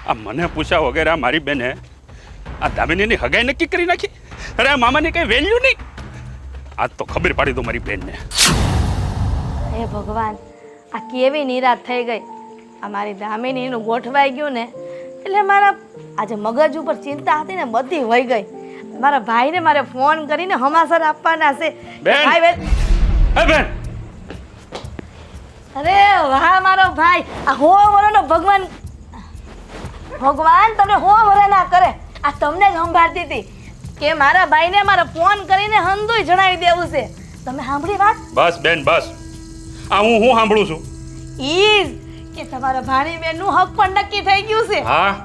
આ મને પૂછ્યા વગેરે આ મારી બેને આ દામિનીની હગાઈ નક્કી કરી નાખી. અરે આ મામાની કઈ વેલ્યુ નહીં. આજ તો ખબર પાડી દો મારી બેનને. હે ભગવાન, આ કેવી નિરાશ થઈ ગઈ. આ મારી દામિનીનું ગોઠવાઈ ગયું ને એટલે મારા આજે મગજ ઉપર ચિંતા હતી ને બધી વહી ગઈ. મારા ભાઈને મારે ફોન કરીને હમાસર આપવાના છે. બેન! ભાઈ બેન! હે બેન! અરે વાહ મારો ભાઈ, આ હો વરોનો ભગવાન ભગવાન તમને હો વરે ના કરે. આ તમને જ સંભાળતી હતી કે મારા ભાઈને મારે ફોન કરીને હંધુય જણાવી દેવું છે. તમે સાંભળી વાત? બસ બેન બસ. આ હું સાંભળું છું. ઈ કે તમારા ભાણી બેનનું હક પણ નક્કી થઈ ગયું છે. હા,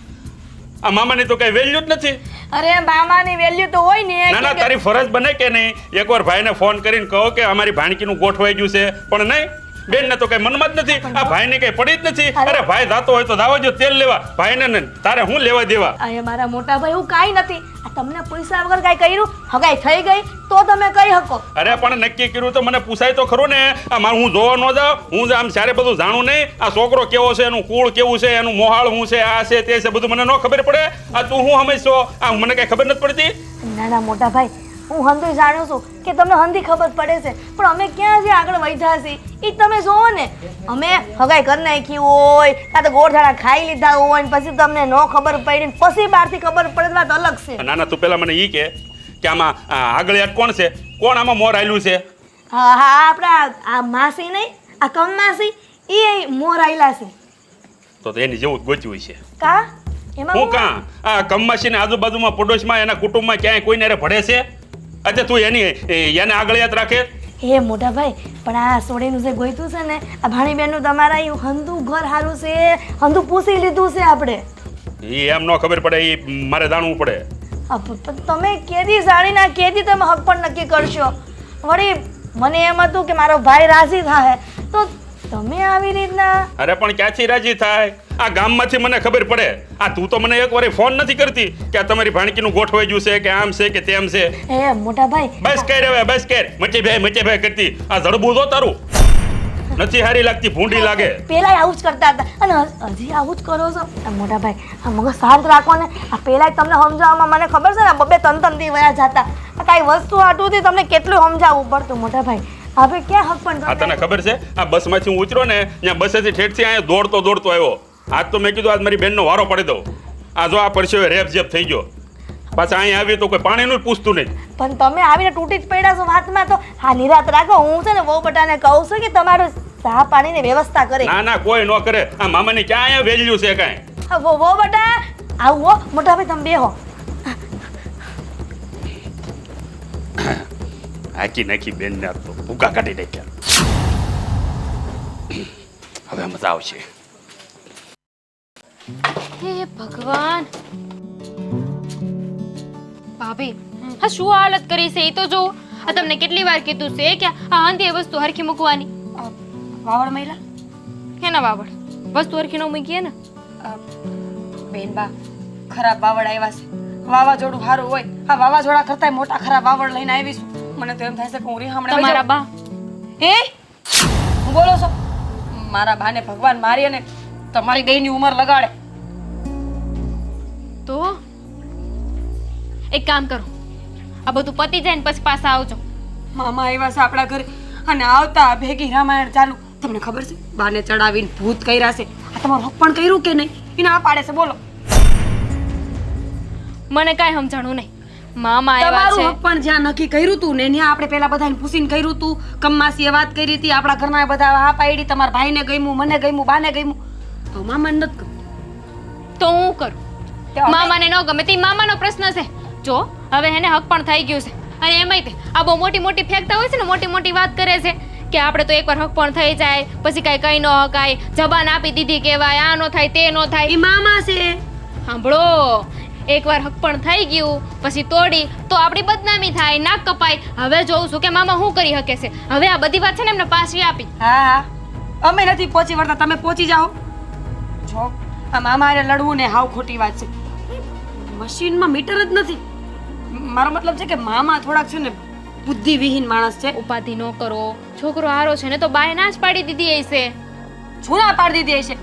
આ મામાની તો કઈ વેલ્યુ જ નથી. અરે મામાની વેલ્યુ તો હોય ને. ના ના, તારી ફરજ બને કે નહીં એકવાર ભાઈને ફોન કરીને કહો કે અમારી ભાણકીનું ગોઠવાઈ ગયું છે, પણ નહીં. બેન ને તો કઈ મનમાં જ નથી. આ ભાઈને કઈ પડી જ નથી. અરે ભાઈ જાતો હોય તો દાવા જો તેલ લેવા, ભાઈને ને તારે હું લેવા દેવા. અરે મારા મોટા ભાઈ હું કાઈ નથી. આ તમને પૈસા વગર કાઈ કર્યું? હગાઈ થઈ ગઈ તો તમે કહી શકો. અરે પણ નક્કી કર્યું તો મને પૂછાય તો ખરું ને. આ મારું હું જોવા ન જાઉં, હું આમ સારે બધું જાણું નહીં. આ છોકરો કેવો છે, એનું કુળ કેવું છે, એનું મોહાળ શું છે, આ છે તે છે, બધું મને ન ખબર પડે. આ તું હું સમજશો? આ મને કઈ ખબર નથી પડતી. ના ના મોટા ભાઈ, હું હંધુય જાણું છું કે તમને હંધી ખબર પડે છે, પણ અમે ક્યાં જે આગળ વધ્યા છીએ એ તમે જોવો ને. અમે હગાઈ કરી નાખી હોય, કાં તો ગોળધાણા ખાઈ લીધા હોય ને પછી તમને ન ખબર પડી ને પછી બહારથી ખબર પડે વાત અલગ છે. ના ના, તું પેલા મને ઈ કે આમાં આગળ યાદ કોણ છે? કોણ આમાં મોર આયલું છે? હા હા, આપણા આ માસી નહીં, આ કમ માસી એ મોર આયલા છે. તો એની જેવું જ ગોચ્યું છે. કા એમાં હું કાં આ કમમાસીને આજુબાજુમાં પડોશમાં એના કુટુંબમાં ક્યાંય કોઈને રે ભળે છે? અચ્છા તું એને આગળ યાદ રાખે? હે મોટા ભાઈ, પણ આ સોડીનું જે ગોઈતું છે ને આ ભાણીબેનનું તમારા એ હંધું ઘર સારું છે, હંધું પૂછી લીધું છે આપણે. એ એમ ન ખબર પડે, એ મારે જાણવું પડે. તમે કેદી જાણીને કેદી તમે હક પણ નક્કી કરશો? વળી મને એમ હતું કે મારો ભાઈ રાજી થાય તો તમે આવી રીતના. અરે પણ ક્યાંથી રાજી થાય? આ ગામમાંથી મને ખબર પડે. આ તું તો મને એકવાર ફોન નથી કરતી કે આ તમારી ભાણકીનું ગોઠવાઈ ગયું છે કે આમ છે કે તેમ છે. એ મોટા ભાઈ બસ કર હવે, બસ કર. મચે ભાઈ કરતી આ જડબું જો તારું નથી હારી લાગતી, ભૂંડી લાગે. પેલા આવું જ કરતા હતા અને હજી આવું જ કરો છો. મોટા ભાઈ આ મગજ શાંત રાખો ને. આ પેલા તમને સમજાવવામાં મને ખબર છે ને બબે તન વયા જતા. આ કાંઈ વસ્તુ આટુંથી તમને કેટલું સમજાવવું પડતું મોટા ભાઈ. હવે ક્યાં હક પણ આ તને ખબર છે? આ બસમાંથી હું ઉતર્યો ને ત્યાં બસેથી ઠેઠથી અહીંયા દોડતો આવ્યો. આજ તો મેં કીધું આજ મારી બેનનો વારો પડી દઉં. આ જો આ પરસ્યો રેપ જેપ થઈ ગયો. પાછા અહીંયા આવી તો કોઈ પાણીનું પૂછતું નહીં. પણ તમે આવીને તૂટી જ પડ્યા છો વાતમાં. તો હા નિરાત રાખો. હું છે ને વહુ બટાને કહું છું કે તમારું ચા પાણીની વ્યવસ્થા કરે. ના ના, કોઈ ન કરે. આ મામાની ક્યાં અહીંયા વેલ્યુ છે કાંઈ? વહુ બટા આવો મોટા ભાઈ તમે બેહો. હાકી નાખી બેન ને તો ભૂકા કાઢી નાખ્યા. હવે મજા આવશે. હે ભગવાન, ભાભી હા શું હાલત કરી છે એ તો જો. આ તમને કેટલી વાર કીધું છે કે આ અંધી વસ્તુ હરખી મૂકવાની. વાવડ મહિલા કેના વાવડ? વસ્તુ હરખી ન મૂકીએ ને. બેનબા ખરાબ વાવડ આવ્યા છે. વાવાઝોડું સારું હોય, આ વાવાઝોડા કરતા મોટા ખરાબ વાવડ લઈને આવીશું. મને તો એમ થાય છે કે હું રીહામણે તમારા બા હું બોલો છો? મારા બાને ભગવાન મારી અને તમારી બેયની ઉંમર લગાડે તો એક કામ કરો, આ બધું પતી જાય ને પછી પાછા આવજો. મામા આવ્યા છે આપણા ઘરે અને આવતા ભેગી રામાયણ ચાલુ. તમને ખબર છે બાને ચડાવીને ભૂત કર્યા છે. આ તમારું હક પણ કર્યું કે નહીં એને આ પાડે છે? બોલો. મને કાંઈ સમજાણું નહીં. મામા આવ્યા તમારું છે. હક પણ જ્યાં નક્કી કર્યું તું ને ત્યાં આપણે પેલા બધાને પૂછીને કર્યું તું. કમ્માસીએ વાત કરી હતી, આપણા ઘરના બધા હા પાડી. તમારા ભાઈને ગમ્યું, મને ગમ્યું, બાને ગમ્યું, તો મામાને નથી ગમ્યું. તો હું કરું? મામાને ન ગમે તે મામાનો પ્રશ્ન છે. જો હવે એને હક પણ થઈ ગયું છે. અને એમાંય તે આ બહુ મોટી મોટી ફેંકતા હોય છે ને, મોટી મોટી વાત કરે છે કે આપણે તો એકવાર હક પણ થઈ જાય પછી કાંઈ કઈ ન હકાય, જબાન આપી દીધી કહેવાય, આ ન થાય તે ન થાય. એ મામા છે. સાંભળો, એકવાર હક પણ થઈ ગયું પછી તોડી તો આપણી બદનામી થાય, નાક કપાય. હવે જોઉં છું કે મામા શું કરી શકે છે. હવે આ બધી વાત છે ને એમને પાછી આપી. હા હા, અમે નથી પહોંચી વળતા, તમે પહોંચી જાઓ. જો આ મામા હારે લડવું ને હાવ ખોટી વાત છે. મશીનમાં મીટર જ નથી. મારો મતલબ છે કે મામા થોડાક છે ને બુદ્ધિવિહીન માણસ છે. ઉપાધિ ન કરો. છોકરો હારો છે ને તો બાએ ના જ પાડી દીધી હશે. છૂના પાડી દીધી હશે.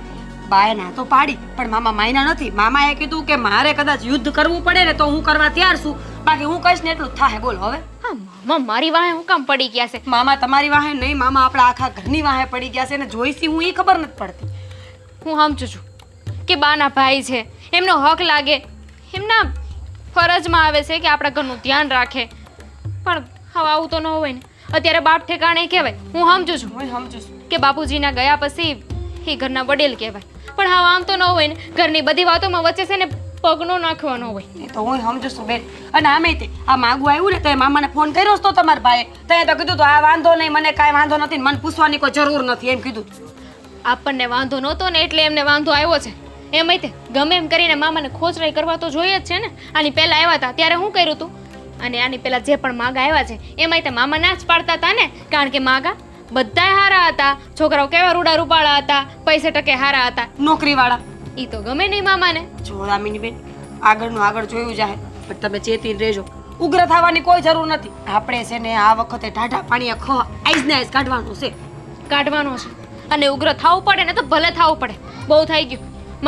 બાએ ના તો પાડી પણ મામા માયના નથી. મામાએ કીધું કે મારે કદાચ યુદ્ધ કરવું પડે ને તો હું કરવા તૈયાર છું, બાકી હું કહીશ ને એટલું જ થાય. બોલો હવે. હા મામા મારી વાહે હું કામ પડી ગયા છે? મામા તમારી વાહે નહીં, મામા આપણા આખા ઘરની વાહે પડી ગયા છે ને જોઈશી હું એ ખબર નથી પડતી. હું સમજુ છું કે બાના ભાઈ છે, એમનો હક લાગે, એમના ફરજમાં આવે છે કે આપણા ઘરનું ધ્યાન રાખે, પણ હવે આવું તો ન હોય ને. અત્યારે બાપ ઠેકાણે કહેવાય, હું સમજુ છું હું સમજુ છું. કે બાપુજીના ગયા પછી એ ઘરના વડીલ કહેવાય, પણ હવે આમ તો ન હોય ને. ઘરની બધી વાતોમાં વચ્ચે છે ને પગનો નાખવાનો હોય. એ તો હું સમજુ છું બેન. અને આમે તે આ માગું આવ્યું ને તો મામાને ફોન કર્યો તો તમારા ભાઈએ તો તો કીધું તો આ વાંધો નહીં, મને કાંઈ વાંધો નથી, મને પૂછવાની કોઈ જરૂર નથી એમ કીધું. આપણને વાંધો નહોતો ને એટલે એમને વાંધો આવ્યો છે. એમ તે ગમે એમ કરીને મામાને ખોચરાઈ કરવા તો જોઈએ જ છે ને. આની પહેલા આવ્યા હતા ત્યારે શું કર્યું હતું, અને આની પહેલા જે પણ માગા આવ્યા છે એમાંય તે મામા ના જ પાડતા હતા ને, કારણ કે માગા બધાય હારા હતા, છોકરાઓ કેવા રૂડા રૂપાળા હતા, પૈસે ટકે હારા હતા, નોકરીવાળા. ઈ તો ગમે નહીં મામાને. જો દામિની બેન આગળનું આગળ જોયું જાય, પણ તમે ચેતીને રહેજો. ઉગ્ર થવાની કોઈ જરૂર નથી. આપણે છે ને આ વખતે ઢાઢા પાણીએ આઈસ ને આઈસ કાઢવાનું છે. કાઢવાનો છે અને ઉગ્ર થવું પડે ને તો ભલે થવું પડે. બહુ થઈ ગયું.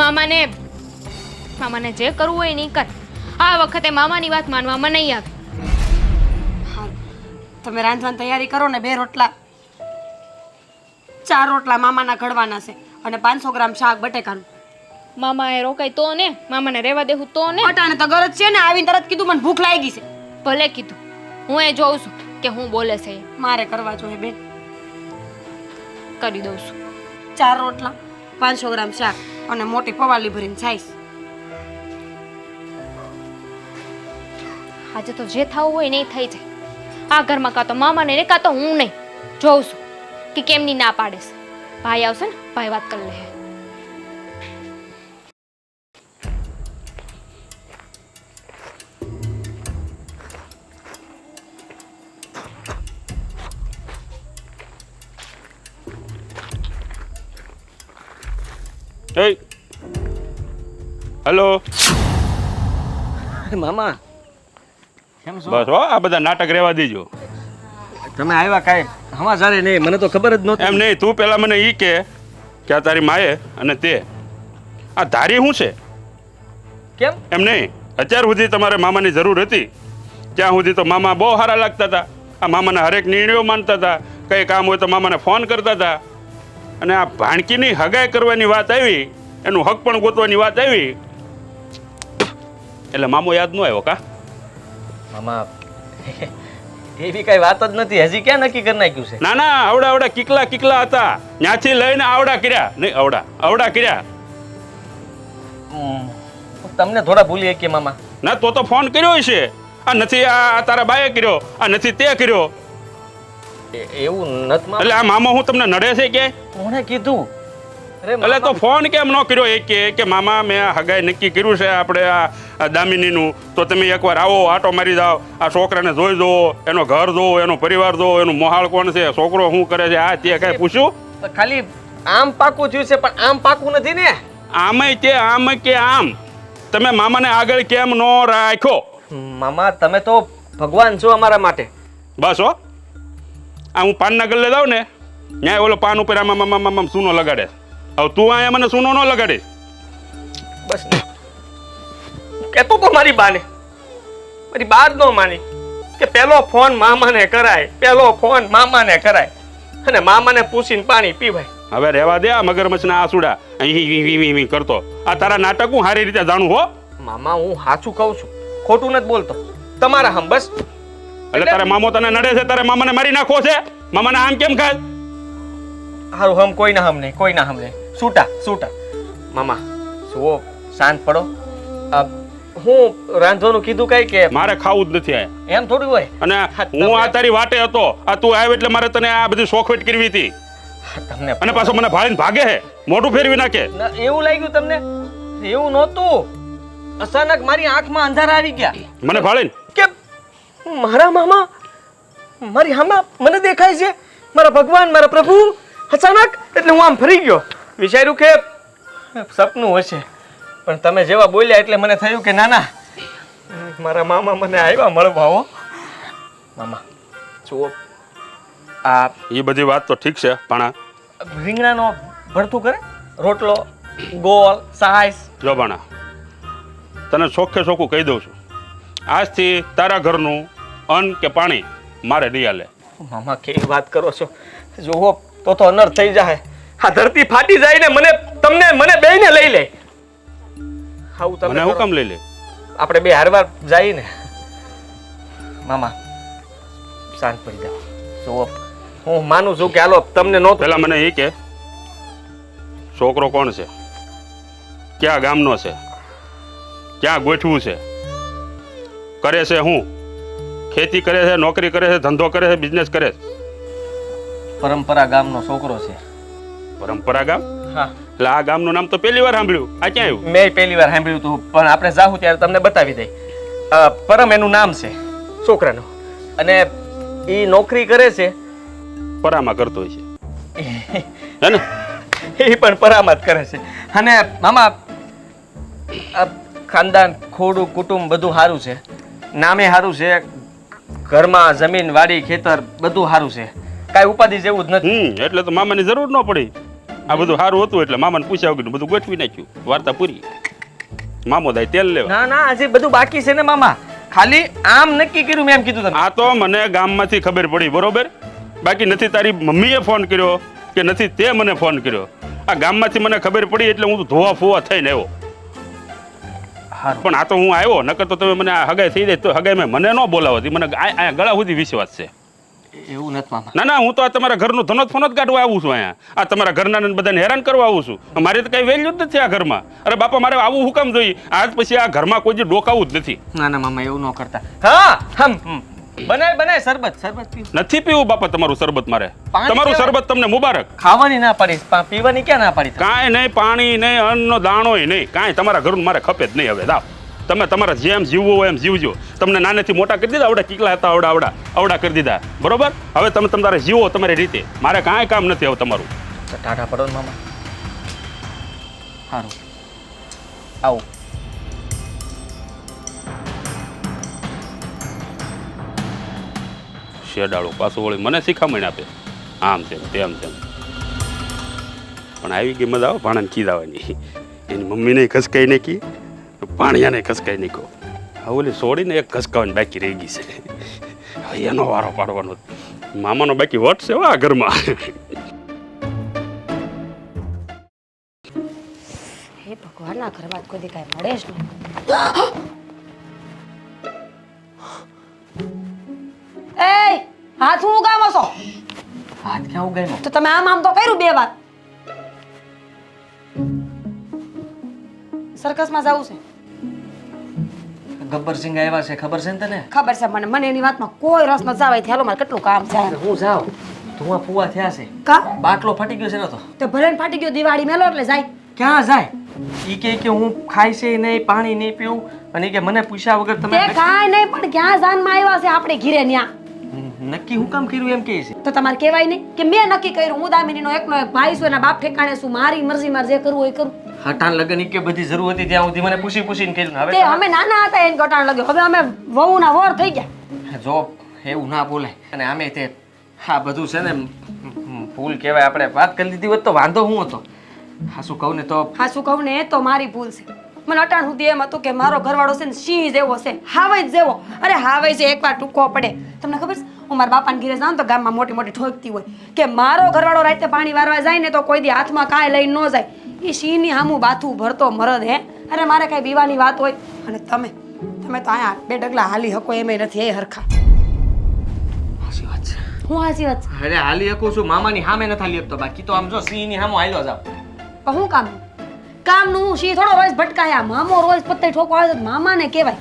મામાને જે કરવું હોય નહીં કર. આ વખતે મામાની વાત માનવામાં નહીં આવે. હા તમે રાંધવાની તૈયારી કરો ને. 2 રોટલા 4 રોટલા મામાના ઘડવાના છે અને 500 ગ્રામ શાક બટેકાનું. મામાએ રોકાય તો ને, મામાને રહેવા દેવું તો ને. અટાણે તો ગરજ છે ને, આવીને તરત કીધું મને ભૂખ લાગી છે. ભલે કીધું, હું એ જોઉં છું કે હું બોલે છે એ. મારે કરવા જોઈએ બેન. કરી દઉં છું. 4 રોટલા 500 ગ્રામ શાક અને મોટી પવાલી ભરીને છાઈશ. આજે તો જે થવું હોય ને એ થઈ જાય. આ ઘરમાં કાં તો મામાને ને કાં તો હું નહીં. જોઉં છું કે કેમની ના પાડે છે. ભાઈ આવશે ને, ભાઈ વાત કરી લે. હેલો. મામા કેમ છો? બસ હો, આ બધા નાટક રહેવા દેજો. તમે આવ્યા કાંઈ સમાચારે નહીં, મને તો ખબર જ નહોતી. એમ નહીં, તું પેલા મને ઈ કે આ તારી માએ અને તે આ ધારી શું છે? કેમ? એમ નહીં, અત્યાર સુધી તમારે મામાની જરૂર હતી ત્યાં સુધી તો મામા બહુ સારા લાગતા હતા. આ મામાના હરેક નિર્ણયો માનતા હતા, કંઈ કામ હોય તો મામાને ફોન કરતા હતા. અને આ ભાણકીની હગાઈ કરવાની વાત આવી, એનું હક પણ ગોતવાની વાત આવી એટલે મામો યાદ ન આવ્યો કા? મામા એવી કઈ વાત જ નથી. હજી ક્યાં નક્કી કરી નાખ્યું છે? ના ના, આવડા કિકલા હતા, ત્યાંથી લઈને આવડા કર્યા નહીં, આવડા કર્યા. તમને થોડા ભૂલી કે મામા. ના તો ફોન કર્યો છે. આ નથી આ તારા બાએ કર્યો, આ નથી તે કર્યો. એવું નથી મામા. એટલે આ મામો હું તમને નડે છે કે? કોણે કીધું? એટલે તો ફોન કેમ ન કર્યો એ કે મામા મેં હગાઈ નક્કી કર્યું છે આપણે આ દામિનીનું, તો તમે એકવાર આવો, આટો મારી જાઓ, આ છોકરાને જોઈ જુઓ, એનો ઘર જોવો, એનો પરિવાર જોવો, એનું મોહાળ કોણ છે, છોકરો શું કરે છે, આ તે કઈ પૂછ્યું? ખાલી આમ પાકું થયું છે, પણ આમ પાકું નથી ને. આમે તે આમ કે આમ તમે મામાને આગળ કેમ ન રાખ્યો? મામા તમે તો ભગવાન છો અમારા માટે. બસ હો, આ હું પાનના ગલ્લે જાઉં ને, ન્યાય ઓલો પાન ઉપર આમ સૂનો લગાડે. હવે તું અહીંયા મને સૂનો ન લગાડીશ. બસ કેતો તો મારી બાને, મારી બા જ ન માની કે પેલો ફોન મામાને કરાય, પેલો ફોન મામાને કરાય અને મામાને પૂછીને પાણી પીવાય. હવે રહેવા દે આ મગરમચ્છના આસુડા અહીં કરતો. આ તારા નાટક હું સારી રીતે જાણું હો. મામા હું સાચું કહું છું, ખોટું નથી બોલતો. તમારા હમ બસ. એટલે તારે મામો તને નડે છે, તારે મામાને મારી નાખવો છે? મામાને આમ કેમ ખાય? હારું હમ કોઈના હમ નહીં, કોઈના હમ નહીં. છૂટા મામા જુઓ, શાંત પડો. હું રાંધવાનું કીધું કઈ કે મારે ખાવું જ નથી આયા. એમ થોડું હોય. અને હું આ તારી વાટે હતો, આ તું આવ્યો એટલે મારે તને આ બધી શોખવેટ કરવી હતી. તમને અને પાછો મને ભાળીને ભાગે હે, મોઢું ફેરવી નાખે. એવું લાગ્યું તમને? એવું નહોતું. અચાનક મારી આંખમાં અંધારા આવી ગયા. મને ભાળીને કે મારા મામા મારી હામાં મને દેખાય છે, મારા ભગવાન, મારા પ્રભુ. અચાનક એટલે હું આમ ફરી ગયો. વિચાર્યું કે સપનું હશે, પણ તમે જેવા બોલ્યા એટલે મને થયું કે ના ના, મારા મામા મને આવ્યા મળવા. હો મામા જુઓ, આ એ બધી વાત તો ઠીક છે, પણ રીંગણાનો ભરતું કરે, રોટલો ગોળ સાઈસ. જો ભાણા તને ચોખ્ખે ચોખ્ખું કહી દઉં છું, આજથી તારા ઘરનું અન્ન કે પાણી મારે નહીં હાલે. મામા કેવી વાત કરો છો? જુઓ તો અનર્થ થઈ જાય. આ ધરતી ફાટી જાય ને મને બેયને લઈ લે. આવું તમે મને કરો. હુકમ લઈ લે. આપણે બે હારવાર જઈએ ને. મામા શાંત પડી જાઓ. જુઓ હું માનું છું કે હાલો તમને નો પેલા મને એ કે છોકરો કોણ છે, ક્યાં ગામનો છે, ક્યાં ગોઠવું છે, કરે છે હું, ખેતી કરે છે, નોકરી કરે છે, ધંધો કરે છે, બિઝનેસ કરે છે? પરંપરા ગામનો છોકરો છે. પરંપરા ગામ? હા એટલે આ ગામનું નામ તો પહેલી વાર સાંભળ્યું. આ ક્યાં આવ્યું? મેં પહેલી વાર સાંભળ્યું હતું, પણ આપણે જાહું ત્યારે તમને બતાવી દઈ. પરમ એનું નામ છે છોકરાનું, અને એ નોકરી કરે છે. પરામાં કરતો હોય છે હે ને? એ પણ પરામત કરે છે. અને મામા આ ખાનદાન ખોડું કુટુંબ બધું સારું છે, નામે સારું છે, ઘરમાં જમીન વાડી ખેતર બધું સારું છે, કાંઈ ઉપાધિ જેવું જ નથી. એટલે તો મામાની જરૂર ન પડી. આ બધું સારું હતું એટલે મામાને પૂછ્યા વગર બધું ગોઠવી નાખ્યું. વાર્તા પૂરી. મામો દાય તેલ લેવા. ના ના હજી બધું બાકી છે ને મામા. ખાલી આમ નક્કી કર્યું મેં એમ કીધું તમે. આ તો મને ગામમાંથી ખબર પડી, બરોબર? બાકી નથી તારી મમ્મીએ ફોન કર્યો કે નથી તે મને ફોન કર્યો. આ ગામમાંથી મને ખબર પડી એટલે હું ધોવા ફોવા થઈને આવ્યો. પણ આ તો હું આવ્યો, નકર તો તમે મને આ હગાઈ થઈ જાય તો હગાઈ મને ન બોલાવતી. મને આ ગળા સુધી વિશ્વાસ છે. એવું નથી મામા. ના ના, હું તો આ તમારા ઘરનું ધનોત ફોનોત કાઢવા આવું છું અહીંયા. આ તમારા ઘરના બધાને હેરાન કરવા આવું છું. મારે તો કઈ વેલ્યુ જ નથી આ ઘરમાં. અરે બાપા, મારે આવું હુકમ જોઈએ? આજ પછી આ ઘરમાં કોઈ જે ડોકાવું જ નથી. ના ના મામા એવું ન કરતા. હા બનાય શરબત પીવું. નથી પીવું બાપા તમારું શરબત. મારે પાણી તમારું પીવા- શરબત તમને મુબારક. ખાવાની ના પાડીશ, પીવાની ક્યાં ના પાડી? કાંઈ નહીં, પાણી નહીં, અન્નનો દાણોય નહીં, કાંઈ તમારા ઘરનું મારે ખપે જ નહીં. હવે દાવ તમે તમારા જેમ જીવવું હોય એમ જીવજો. તમને નાનેથી મોટા કરી દીધા, આવડા કીકલા હતા આવડા કરી દીધા, બરોબર? હવે તમે તમારે જીવો તમારી રીતે. મારે કાંઈ કામ નથી હવે તમારું. ટાટા પડો ને મામા. સારું આવું. શેડાળો પાછું વળી મને શીખામણ આપે, આમ છે તેમ છે. પણ આવી ગઈ મજા આવે ભાણાને કીધાવાની. એની મમ્મીને ખસકાઈ નાખી, પાણીયાને ખસકાઈ નાખ્યો. હવે ઓલી છોડીને એક ખસકાવાની બાકી રહી ગઈ છે. હવે એનો વારો પાડવાનો. મામાનો બાકી વટ છે આ ઘરમાં. હે ભગવાનના ઘરમાં કોઈ દી કાંઈ મળે જ નહીં. એ હાથ હું ઉગામો છો? હાથ ક્યાં ઉગાડ્યો? તો તમે આમ તો કર્યું 2 વાર. સર્કસમાં જવું છે? ગબ્બરસિંહ આવ્યા છે, ખબર છે ને તને? ખબર છે મને એની વાતમાં કોઈ રસ ન જાવે. ચાલો મારે કેટલું કામ છે. હું જાઉં. ધુઆ ફુવા થયા છે. કા બાટલો ફાટી ગયો છે ને? તો ભલે ને ફાટી ગયો, દિવાળી મેલો એટલે જાય. ક્યાં જાય? ઈ કે હું ખાઈ છે નહીં, પાણી નહીં પીવું, અને ઈ કે મને પૂછ્યા વગર તે તમે કાંઈ નહીં, પણ ક્યાં જાનમાં આવ્યા છે આપણે ઘીરે ન્યા? નક્કી હું કામ કર્યું એમ કહે છે? તો તમારે કહેવાય નહીં કે મેં નક્કી કર્યું. હું દામિનીનો એકનો એક ભાઈ છું, એના બાપ ઠેકાણે છું. મારી મરજી મારે જે કરવું હોય કરું. હટાણ લગન ઈ કે બધી જરૂર હતી ત્યાં સુધી મને પૂછીને કર્યું ને. તે અમે નાના હતા એને ગટાણ લાગ્યો. હવે અમે વહુના વર થઈ ગયા. હવે જો એવું ના બોલાય. અને આમે તે હા બધું છે ને ભૂલ કહેવાય. આપણે વાત કરી લીધી હોત તો વાંધો હું હતો. હા શું કહું ને તો હા શું કહું ને, એ તો મારી ભૂલ છે. મને અટાણ સુધી એમ હતું કે મારો ઘરવાળો છે ને સિંહ જેવો છે, હાવજ જેવો. અરે હાવજ છે એકવાર ટૂંકો પડે. તમને ખબર છે, હું મારા બાપાને ઘરે જાઉં તો ગામમાં મોટી મોટી ઠોકતી હોય કે મારો ઘરવાળો રાતે પાણી વારવા જાય ને તો કોઈ દી હાથમાં કાંઈ લઈને ન જાય. એ સિંહની સામું બાથું ભરતો મરદ હે. અરે મારે કાંઈ બીવાની વાત હોય. અને તમે તો અહીંયા 2 ડગલા હાલી હકો એમેય નથી. એ હરખા. સાચી વાત છે. હું સાચી વાત છે. અરે હાલી શકું છું, મામાની સામે નથી હાલી શકતો. બાકી તો આમ જો સિંહની સામે હાલ્યો જાવ. પણ હું કામનું હું સિંહ થોડો રોજ ભટકાયા. મામો રોજ પત્તે ઠોકો આવે તો મામાને કહેવાય.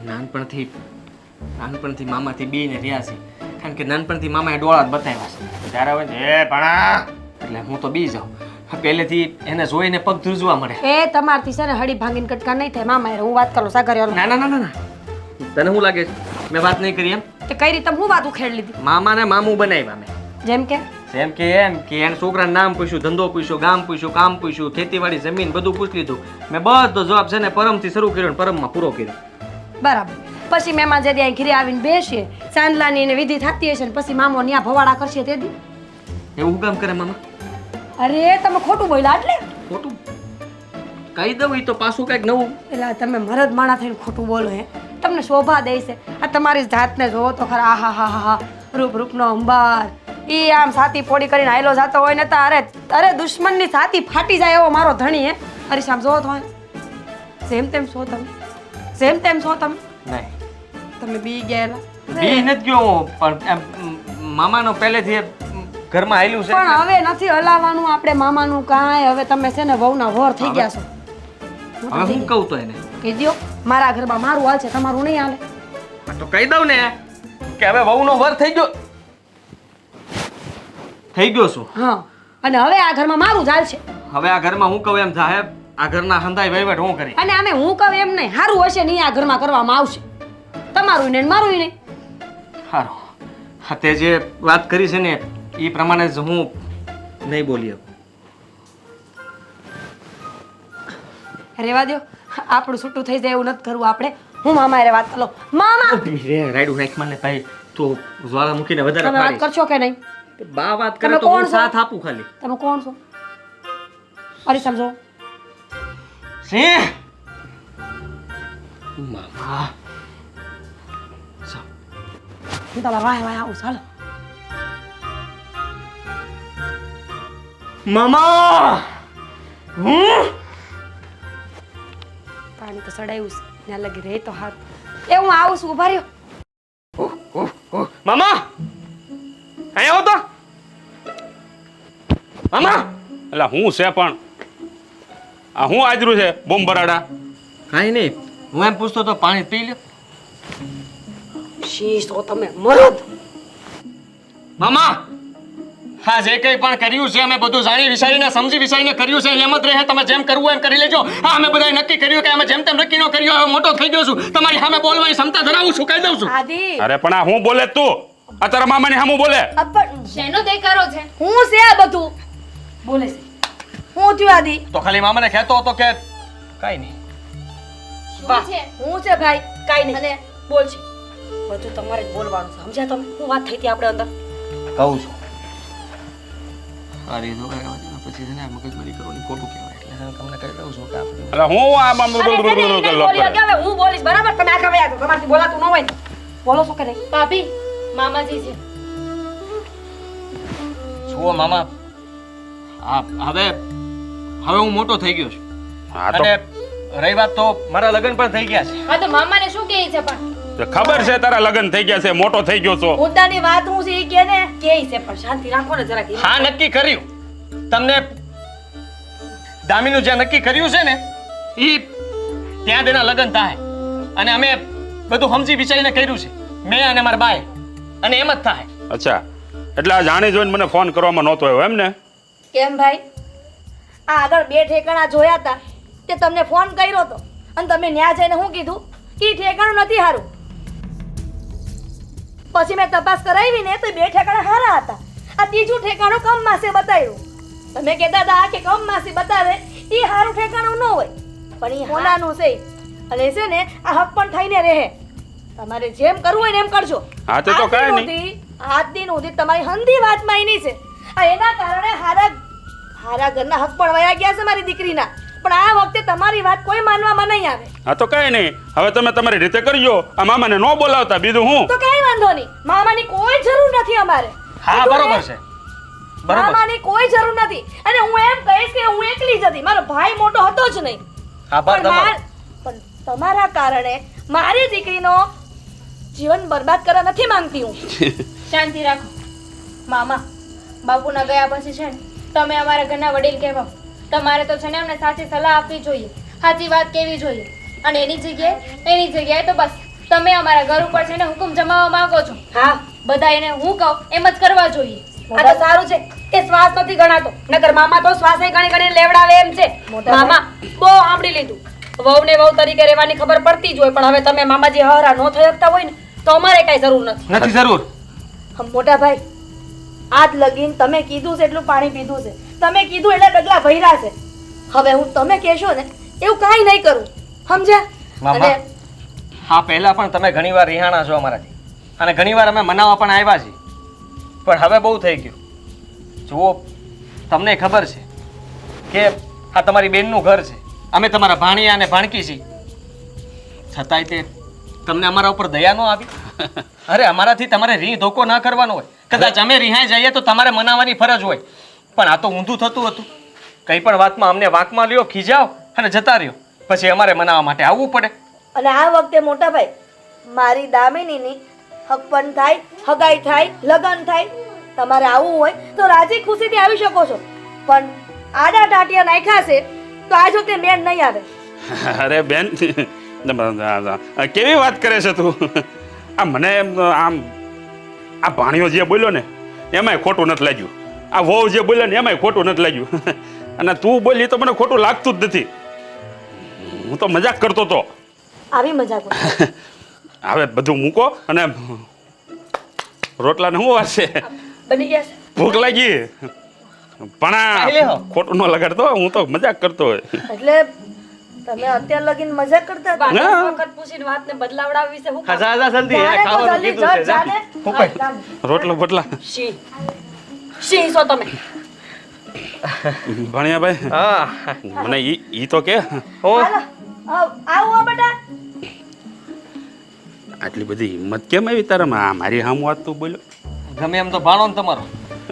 નાનપણથી મામાથી બેને રહ્યા છે. કારણ કે નાનપણથી મામાએ ડોળા જ બતાવ્યા છે. ત્યારે હોય ને એ ભણા એટલે હું તો બી જાઉં. પહેલેથી એને જોઈને પગ ધ્રુજવા મળે. એ તમારથી છે ને હળી ભાંગીને કટકા નહીં થાય મામા. હું વાત કરું સાગર. ના ના ના ના તને શું લાગે છે મેં વાત નહીં કરી એમ? તે કઈ રીતે હું વાત ઉખેડ લીધી? મામાને મામું બનાવ્યા મેં. જેમ કે એમ કે એને છોકરાનું નામ પૂછ્યું, ધંધો પૂછ્યો, ગામ પૂછ્યું, કામ પૂછ્યું, ખેતીવાડી જમીન બધું પૂછી લીધું. મેં બધો જવાબ છે ને પરમથી શરૂ કર્યો ને પરમમાં પૂરો કર્યો. બરાબર. પછી મહેમાન જે ત્યાં ઘરે આવીને બેસીએ, ચાંદલાની એને વિધિ થતી હશે ને પછી મામો ન્યા ભવાડા કરશે તે દી. એવું કામ કરે મામા? અરે તમે ખોટું બોલ્યા એટલે ખોટું કહી દઉં ઈ તો પાછું કંઈક નવું. એટલે તમે મરદ માણા થઈને ખોટું બોલો હે તમને શોભા દે છે આ તમારી જાતને જોવો તો ખરા આહા હા હા હા રૂપનો અંબાર ઈ આમ છાતી પોડી કરીને આયલો જાતો હોય ને તો અરે દુશ્મનની છાતી ફાટી જાય એવો મારો ધણી હે અરે આમ જોવો તો જેમ તેમ છો તમે જેમ તેમ છો તમે નહીં તમે બી ગયેલા બી નથી ગયો હું, પણ એમ મામાનો પહેલેથી ઘરમાં આવેલું છે પણ હવે નથી હલાવવાનું આપણે મામાનું કાંઈ હવે તમે છે ને વહુના વર થઈ ગયા છો હવે હું કહું તો એને કહી દ્યો મારા ઘરમાં મારું હાલ છે તમારું નહીં હાલે હા તો કહી દઉં ને કે હવે વહુનો વર થઈ ગયો છું. હા અને હવે આ ઘરમાં મારું જ હાલ છે હવે આ ઘરમાં હું કહું એમ થાય, આ ઘરના હંધાઈ વહીવટ હું કરી. અને અમે હું કહું એમ નહીં સારું હશે નહીં આ ઘરમાં કરવામાં આવશે તમારું નહીં ને મારું નહીં સારું, હા તે જે વાત કરી છે ને એ પ્રમાણે જ હું નહીં બોલી શકું. રેવા દો આપણું છૂટું થઈ જાય એવું નથી કરવું આપણે હું મામા હારે વાત કરો મામા રાયડું રાખ મને ભાઈ તું જ્વાળા મૂકીને વધારે તમે વાત ફાડીશ. કરશો કે નહીં બા વાત કરે તમે તો હું કોણ છો? સાથ આપું ખાલી. તમે કોણ છો અરે સમજો સિંહ મામા હું તમારા વાય વાય આવું ચાલો મામા હું પાણી તો સડાયું છે ત્યાં લગી રહે તો હારું એ હું આવું છું ઉભા રહ્યો મામા અહીંયા આવો તો મામા. એટલે હું છે પણ આ હું આજરું છે બોમ્બ બરાડા. કાંઈ નહીં, હું એમ પૂછતો તો પાણી પી લ્યો. શીશ તો તમે મરદ મામા હા જે કંઈ પણ કર્યું છે અમે બધું જાણી વિચારીને સમજી વિચારીને કર્યું છે એમ જ રહે. તમે જેમ કરવું એમ કરી લેજો. હા અમે બધાએ નક્કી કર્યું કે અમે જેમ તેમ નક્કી ન કર્યું. હવે મોટો થઈ ગયો છું, તમારી સામે બોલવાની ક્ષમતા ધરાવું છું, કહી દઉં છું. આદિ અરે પણ આ હું બોલે તું આ તારા મામાની સામું બોલે. પણ શેનો દેખારો છે હું છે આ બધું બોલે છે હું થયું આદિ તો ખાલી મામાને કહેતો હતો કે કાંઈ નહીં. શું છે હું છે ભાઈ કાંઈ નહીં અને બોલ છે બધું તમારે જ બોલવાનું છે સમજ્યા તમે શું વાત થઈ હતી આપણે અંદર કહું છું અરે જો પછી છે ને મગજમારી કરવાની ખોટું કહેવાય એટલે તમને કહી દઉં છું કે આપણે એટલે હું આ મામું અરે બોલ નહીં, નહીં, લોક બોલી કરે. શકે. હવે હું બોલીશ બરાબર તમે આગળ વયા જાઓ. તમારાથી બોલાતું ન હોય ને. બોલો છો કે નહીં ભાભી મામાજી છે જુઓ મામા હવે હું મોટો થઈ ગયો છું હા તો અને રહી વાત તો મારા લગ્ન પણ થઈ ગયા છે. હા તો મામાને શું કહે છે પણ ખબર છે તારા લગ્ન થઈ ગયા છે મોટો થઈ ગયો છો. મુદ્દાની વાત હું છે ઈ કે ને કે છે પણ શાંતિ રાખો ને જરાક હા નક્કી કર્યું તમને દામીનું જે નક્કી કર્યું છે ને ઈ ત્યાં તેના લગ્ન થાય અને અમે બધું સમજી વિચારીને કર્યું છે મેં અને મારા બાએ અને એમ જ થાય. અચ્છા એટલે આ જાણી જોઈને મને ફોન કરવામાં નહોતો આવ્યો એમ ને. કેમ ભાઈ આ આગળ બે ઠેકાણા જોયા હતા તે તમને ફોન કર્યો હતો અને તમે ન્યા જઈને શું કીધું કે ઈ ઠેકાણું નથી સારું. પછી મેં તપાસ કરાવી ને તો બે ઠેકાણા સારા હતા. આ ત્રીજું ઠેકાણું કમમાસી બતાવ્યું. તમે કહેતા હતા કે કમમાસી બતાવે ઈ સારું ઠેકાણું ન હોય પણ ઈ હોનાનું છે અને છે ને આ હક પણ થઈને રહે. તમારે જેમ કરવું હોય ને એમ કરજો. હા તે તો કાંઈ નહીં. આજ દિન સુધી તમારી હંધી વાતમાં એની છે આ એના કારણે હારા ઘરના હક પણ વયા ગયા છે મારી દીકરીના. પણ આ વખતે તમારી વાત કોઈ માનવામાં નહીં આવે. હા તો કાંઈ નહીં હવે તમે તમારી રીતે કરજો. આ મામાને ન બોલાવતા બીજું હું. તો કઈ વાંધો નહીં મામાની કોઈ જરૂર નથી અમારે. હા બરોબર છે બરોબર. મામાની કોઈ જરૂર નથી અને હું એમ કહીશ કે હું એકલી જ હતી. મારો ભાઈ મોટો હતો જ નહીં. આભાર પણ તમારો. પણ તમારા કારણે મારી દીકરીનો જીવન બરબાદ કરવા નથી માંગતી હું. શાંતિ રાખો મામા બાપુના ગયા પછી છે ને તમે અમારા ઘરના વડીલ કહેવાઓ. તમારે તો છે ને અમને સાચી સલાહ આપવી જોઈએ, સાચી વાત કહેવી જોઈએ. અને એની જગ્યાએ તો બસ તમે અમારા ઘર ઉપર છે ને હુકમ જમાવવા માંગો છો. હા બધા એને હું કહું એમ જ કરવા જોઈએ. આ તો સારું છે કે શ્વાસ નથી ગણાતો નકર મામા તો શ્વાસે ગણી ગણીને લેવડાવે એમ છે મામા બહુ સાંભળી લીધું વહુને વહુ તરીકે રહેવાની ખબર પડતી જ હોય પણ હવે તમે મામાજી હરા ન થઈ શકતા હોય ને તો અમારે કઈ જરૂર નથી નથી જરૂર. મોટા ભાઈ આજ લગીન તમે કીધું છે એટલું પાણી પીધું છે. તમે કીધું એટલે ડગલા ભર્યા છે. હવે હું તમે કહેશો ને એવું કાંઈ નહીં કરું સમજ્યા. મામા હા પહેલા પણ તમે ઘણીવાર રિહાણા છો અમારાથી અને ઘણીવાર અમે મનાવવા પણ આવ્યા છીએ પણ હવે બહુ થઈ ગયું. જુઓ તમને ખબર છે કે આ તમારી બેનનું ઘર છે અમે તમારા ભાણિયા અને ભાણકી છીએ છતાંય તે તમને અમારા ઉપર દયા ન આવી અરે અમારાથી તમારે રી ધોકો ના કરવાનો હોય કદાચ અમે રિહાઈ જઈએ તો તમારે મનાવવાની ફરજ હોય પણ આ તો ઊંધું થતું હતું કંઈ પણ વાતમાં અમને વાંકમાં લ્યો ખીજાવ અને જતા રહ્યો પછી અમારે મનાવવા માટે આવવું પડે અને આ વખતે મોટા ભાઈ મારી દામિનીની હક પણ થાય હગાઈ થાય લગન થાય તમારે આવવું હોય તો રાજી ખુશીથી આવી શકો છો પણ આડા ટાટિયા નાખ્યા છે તો આજ વખતે મેળ નહીં આવે અરે બેન કેવી વાત કરે છે તું આ મને આમ આ ભાણિયો જે બોલ્યો ને એમાંય ખોટું નથી લાગ્યું આ વહુ જે બોલ્યો ને એમાંય ખોટું નથી લાગ્યું અને તું બોલી તો મને ખોટું લાગતું જ નથી હું તો મજાક કરતો હતો આવી મજાક હવે બધું મૂકો અને રોટલાને શું વાત છે બની ગયા છે ભૂખ લાગી પણ ખાઈ લેહો. આ ખોટું ન લગાડતો હું તો મજાક કરતો હોય એટલે તમે અત્યાર લગીને મજાક કરતા હતા ના. વખત પૂછીને વાતને બદલાવડાવી છે હું કામ? જા જલ્દી જાને તો ખાવાનું જલ્દી કીધું છે જજ જાને. હું કઈ જામ. રોટલો બટલા સિંહ છો તમે ભણ્યા ભાઈ હા મને ઈ તો કે હો હાલો, આવો બેટા આટલી બધી હિંમત કેમ આવી તારામાં આ મારી હામું વાત તું બોલ્યો ગમે એમ તો ભાણો ને તમારો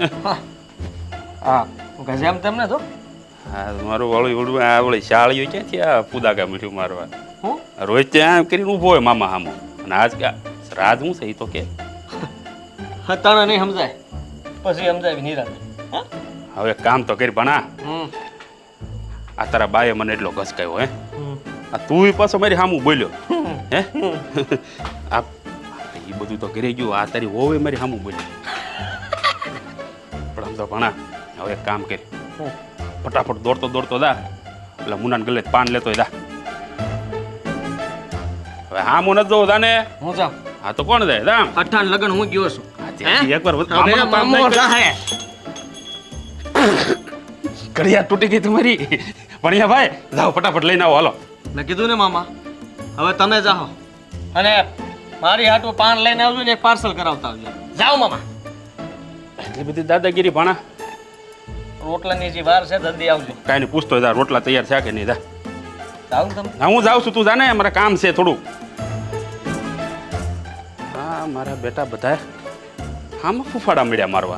હા હું કહે એમ તેમ ને તો હા મારું વળું વળું આ વળી શાળીઓ ક્યાંથી આ પુદાકા મીઠું મારવા હું રોજ ત્યાં કરીને ઊભો હોય મામા હામો અને આજ કે રાજ હું છે એ તો કે હા તને નહીં સમજાય પછી સમજાય નિરાતે હા હવે એક કામ તો કરી ભણા હમ આ તારા બાએ મને એટલો ઘસકાયો હે આ તું પાછો મારી હામું બોલ્યો હે આ એ બધું તો ઘરે ગયું આ તારી વહુએ મારી હામું બોલ્યો પણ આમ તો ભણા હવે એક કામ કરી ફટાફટ દોડતો દોડતો દા એટલે મુનાને ગલે પાન લેતો દા હવે હામું નથી જોવું દાને હું જાઉં હા તો કોણ જાય દામ અઠાણ લગન હું ગયો છું એકવાર હવે મામાનું કામ મામો નહીં કરે. રાહે. ઘડિયાળ તૂટી ગઈ તમારી ભણ્યા ભાઈ જાઓ ફટાફટ લઈને આવો હાલો મેં કીધું ને મામા હવે તમે જાઓ અને મારી હાટું પાન લઈને આવજો ને એક પાર્સલ કરાવતા આવજો જાઓ મામા એટલી બધી દાદાગીરી ભણા રોટલાની જે વાર છે જલ્દી આવજો કાંઈ નહીં પૂછતો જા રોટલા તૈયાર છે કે નહીં જા જાઓ ને તમે હા હું જાઉં છું તું જાને મારે કામ છે થોડું હા મારા બેટા બધા આમાં ફૂફાડા મળ્યા મારવા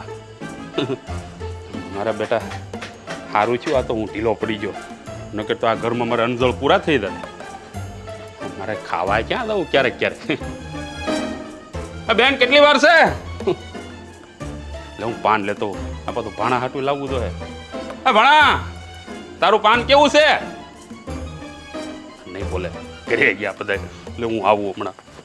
મારા બેટા સારું થયું આ તો હું ઢીલો પડી ગયો નકર તો આ ઘરમાં મારે અંજળ પૂરા થઈ જાય મારે ખાવા ક્યાં દઉં ક્યારેક ક્યારેક બેન કેટલી વાર છે એટલે હું પાન લેતો આ બધું ભાણા હાટું લાવવું તો હે ભાણા તારું પાન કેવું છે નહીં બોલે ઘરે ગયા બધા એટલે હું આવું હમણાં